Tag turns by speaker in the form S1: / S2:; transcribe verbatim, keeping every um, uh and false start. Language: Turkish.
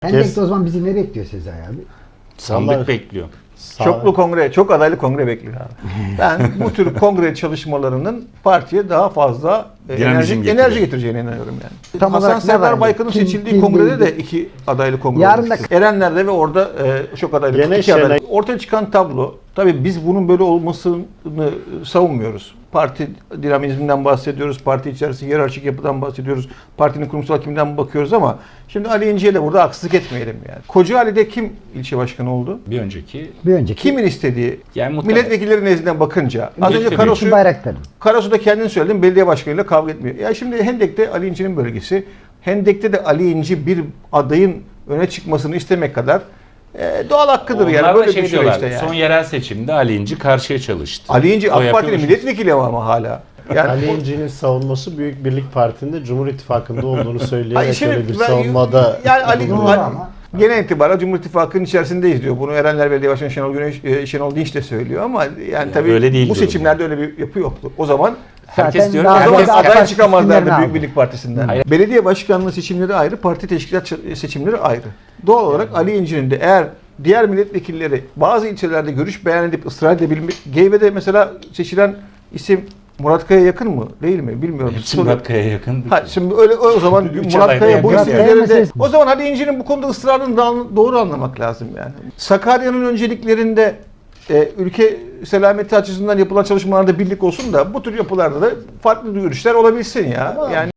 S1: Hendek'te o zaman bizi ne bekliyor Sezai abi?
S2: Sandık
S3: Vallahi-
S2: bekliyor.
S3: Sağ-
S4: Çoklu kongre, çok adaylı kongre bekliyor abi. Ben bu tür kongre çalışmalarının partiye daha fazla e,
S2: Dinamizm
S4: enerji,
S2: getiriyor.
S4: enerji getireceğine inanıyorum yani.
S1: Tam
S4: Hasan
S1: olarak ne var
S4: Serdar
S1: yani?
S4: Baykan'ın
S1: Kim-
S4: seçildiği
S1: kim
S4: kongrede
S1: neydi?
S4: de iki adaylı kongre
S1: Yarın da-
S4: olmuştu. Erenler'de ve orada e, çok adaylı,
S3: Gene
S4: iki adaylı.
S3: şeyler-
S4: Ortaya çıkan tablo, tabii biz bunun böyle olmasını savunmuyoruz. Parti dinamizminden bahsediyoruz, parti içerisinde hiyerarşik yapıdan bahsediyoruz, partinin kurumsal kimliğinden bakıyoruz ama şimdi Ali İnci'ye de burada haksızlık etmeyelim yani. Kocaeli'de kim ilçe başkanı oldu?
S2: Bir önceki
S1: Bir önceki
S4: Kimin istediği?
S2: yani muhtemelen
S4: Milletvekilleri nezdinden bakınca. Az önce
S2: Milletvekili.
S4: Karasu,
S1: Hulusi Bayraktar'ın.
S4: Karasu'da kendin söyledin, belediye başkanıyla kavga etmiyor. Ya şimdi Hendek'te Ali İnci'nin bölgesi. Hendek'te de Ali İnci bir adayın öne çıkmasını istemek kadar e, doğal hakkıdır
S2: onlar
S4: yani.
S2: da
S4: Böyle
S2: şey
S4: bir
S2: diyorlar,
S4: süreçte yani.
S2: son yerel seçimde Ali İnci karşıya çalıştı.
S4: Ali İnci
S2: O
S4: AK Parti'nin
S2: yapıyormuş.
S4: milletvekili ama hala. Yani
S3: Ali
S4: o-
S3: İnci'nin savunması Büyük Birlik Parti'nde Cumhur İttifakı'nda olduğunu
S4: Hayır,
S3: söyleyerek
S4: şimdi
S3: öyle bir
S4: ben-
S3: savunmada
S4: yani Ali,
S1: Doğru
S4: Ali-
S1: ama.
S4: genel itibariyle Cumhur İttifakı'nın içerisindeyiz diyor. Bunu Erenler Belediye Başkanı Şenol Güneş, e, Şenol Dinç de söylüyor ama yani tabii
S2: öyle değil
S4: bu
S2: durum.
S4: seçimlerde öyle bir yapı yoktu. O zaman
S2: Herkes
S1: Zaten
S2: diyor
S1: daha
S2: ki
S4: o zaman
S1: fazla
S2: herkes,
S1: AK
S4: aday
S1: Parti
S4: çıkamazlardı
S1: isimlerini
S4: Büyük
S1: aldı.
S4: Birlik Partisi'nden.
S2: Hayır.
S4: Belediye başkanlığı seçimleri ayrı, parti teşkilat ç- seçimleri ayrı. Doğal olarak Ali İnci'nin de eğer diğer milletvekilleri bazı ilçelerde görüş beyan edip ısrar edebilmek, Geyve'de mesela seçilen isim Murat Kaya yakın mı? Değil mi? Bilmiyorum.
S2: hepsi
S4: Soru-
S2: Murat Kaya'ya yakın.
S4: Ha, şimdi öyle o zaman
S2: Üç
S4: Murat
S2: adayda
S4: Kaya bu
S2: yakın
S4: isim
S1: yani.
S4: üzerinde
S1: Meselesi-
S4: o zaman Ali İnci'nin bu konuda ısrarını da doğru anlamak lazım yani. Sakarya'nın önceliklerinde e, ülke selameti açısından yapılan çalışmalarda birlik olsun da bu tür yapılarda da farklı görüşler olabilsin ya. Yani